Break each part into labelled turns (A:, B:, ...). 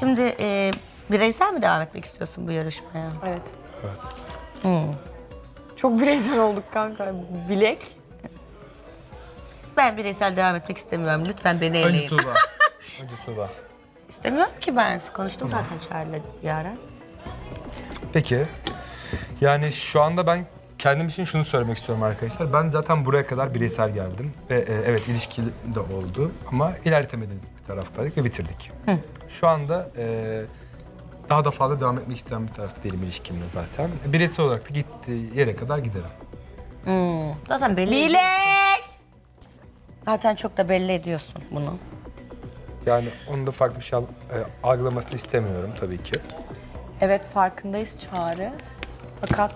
A: Şimdi bireysel mi devam etmek istiyorsun bu yarışmaya?
B: Evet.
C: Evet.
B: Çok bireysel olduk kanka. Bilek.
A: Ben bireysel devam etmek istemiyorum. Lütfen beni
C: Önce
A: eleyin.
C: Tuğba. Önce Tuğba.
A: İstemiyorum ki ben. Konuştum zaten Çağrı'yla Yaren.
C: Peki. Yani şu anda ben kendim için şunu söylemek istiyorum arkadaşlar. Ben zaten buraya kadar bireysel geldim. Ve evet ilişki de oldu. Ama ilerletemediğimiz bir taraftaydık ve bitirdik. Şu anda daha da fazla devam etmek isteyen bir tarafta değilim ilişkimde zaten. Bireysel olarak da gittiği yere kadar giderim.
A: Zaten belli
B: Bilek!
A: Zaten çok da belli ediyorsun bunu.
C: Yani onun da farklı bir şey algılamasını istemiyorum tabii ki.
B: Evet farkındayız Çağrı. Fakat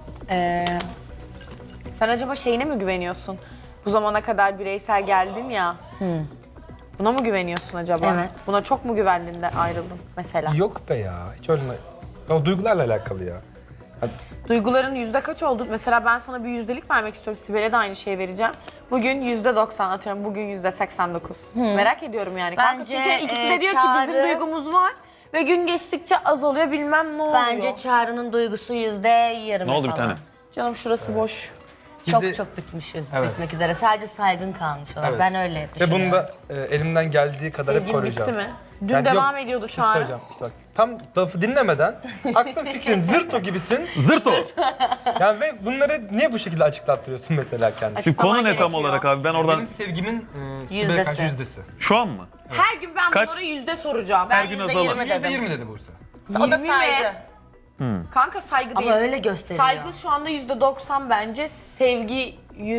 B: sen acaba şeyine mi güveniyorsun? Bu zamana kadar bireysel geldin ya. Buna mı güveniyorsun acaba?
A: Evet.
B: Buna çok mu güvendin de ayrıldın mesela?
C: Yok be ya. Hiç öyle... O duygularla alakalı ya.
B: Duyguların yüzde kaç oldu? Mesela ben sana bir yüzdelik vermek istiyorum. Sibel'e de aynı şeyi vereceğim. Bugün %90 atıyorum. Bugün %89. Merak ediyorum yani. Kanka
A: Bence,
B: çünkü ikisi de diyor ki
A: Çağrı-
B: bizim duygumuz var. Ve gün geçtikçe az oluyor bilmem ne oluyor.
A: Bence Çağrı'nın duygusu %20
D: Ne oldu bir
A: falan.
D: tane?
B: Canım şurası boş.
A: Çok
C: Bir de-
A: çok bitmişiz,
C: Evet.
A: bitmek üzere. Sadece saygın kalmış olarak.
C: Evet.
A: Ben öyle
C: Ve
A: düşünüyorum.
C: bunu da elimden geldiği kadar hep
B: Sevgin
C: koruyacağım.
B: bitti mi? Dün
C: Yani
B: devam
C: yok,
B: ediyordu
C: bir şey
B: Çağrı.
C: söyleyeceğim. İşte bak, tam lafı dinlemeden aklın fikrin zırt o gibisin.
D: Zırt o.
C: Yani ve bunları niye bu şekilde açıklattırıyorsun mesela kendine?
D: Şimdi konu ne tam
B: gerekiyor.
D: olarak abi? Ben oradan
C: Benim sevgimin Sibel'e
A: Yüzdesi.
C: karşı yüzdesi.
D: şu an mı?
B: Her gün ben
D: Kaç?
B: bunlara yüzde soracağım.
D: Her gün azalır.
A: %20 dedim.
C: %20 dedi Buse.
A: O da
B: 20 mi?
A: saygı.
B: Kanka saygı değil.
A: Ama öyle gösteriyor.
B: Saygı şu anda %90 bence. Sevgi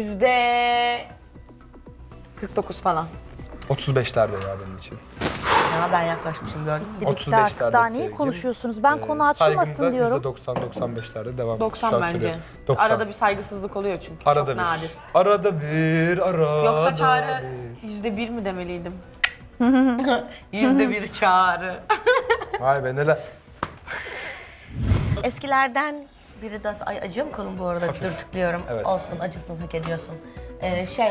B: %49 falan.
C: 35'lerde ya benim için.
A: Ya ben yaklaşmışım gördün mü?
C: 35'lerde
E: Artık daha neyi
C: sevgim.
E: konuşuyorsunuz? Ben konu
C: Saygım
E: açılmasın
C: da
E: diyorum.
C: %90-95'lerde devam.
B: 90
C: Şu an
B: bence.
C: söylüyorum. 90.
B: Arada bir saygısızlık oluyor çünkü.
C: Arada
B: Çok
C: bir.
B: nadir.
C: Arada bir, arada
B: Yoksa Çağrı
C: bir.
B: %1 mi demeliydim?
A: %1 Çağrı.
C: Vay be neler.
A: Eskilerden biri de... Ay acıyor mu kolum bu arada? Dur tıklıyorum.
C: Evet.
A: Olsun acısın hak ediyorsun. Şey...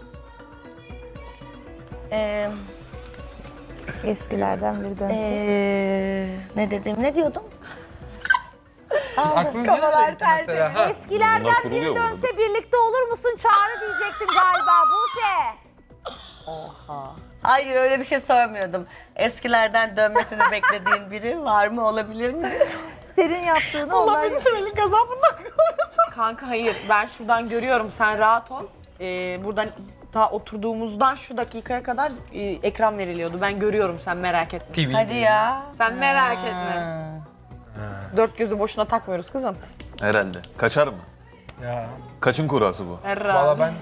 E: Eskilerden biri dönsün.
A: ne dedim? Ne diyordum?
C: Aklınıza ne gitti mesela? Ha.
D: Bunlar
E: Eskilerden
D: kuruluyor
E: biri
D: burada.
E: dönse birlikte olur musun Çağrı diyecektin galiba Buse.
A: Hayır öyle bir şey sormuyordum. Eskilerden dönmesini beklediğin biri var mı, olabilir mi?
E: Senin yaptığını onlar...
B: Sibel'in gazabından korusun. Kanka hayır ben şuradan görüyorum sen rahat ol. Buradan ta oturduğumuzdan şu dakikaya kadar ekran veriliyordu. Ben görüyorum sen merak etme.
C: TV.
A: Hadi ya.
B: Sen merak etme. Dört gözü boşuna takmıyoruz kızım.
D: Herhalde. Kaçar mı?
C: Ya.
D: Kaçın kurası bu?
B: Herhalde.
C: Valla ben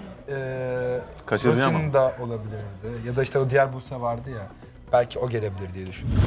D: Kaçıracağım
C: Rutin da olabilirdi. Ya da işte o diğer Buse vardı ya. Belki o gelebilir diye düşündüm.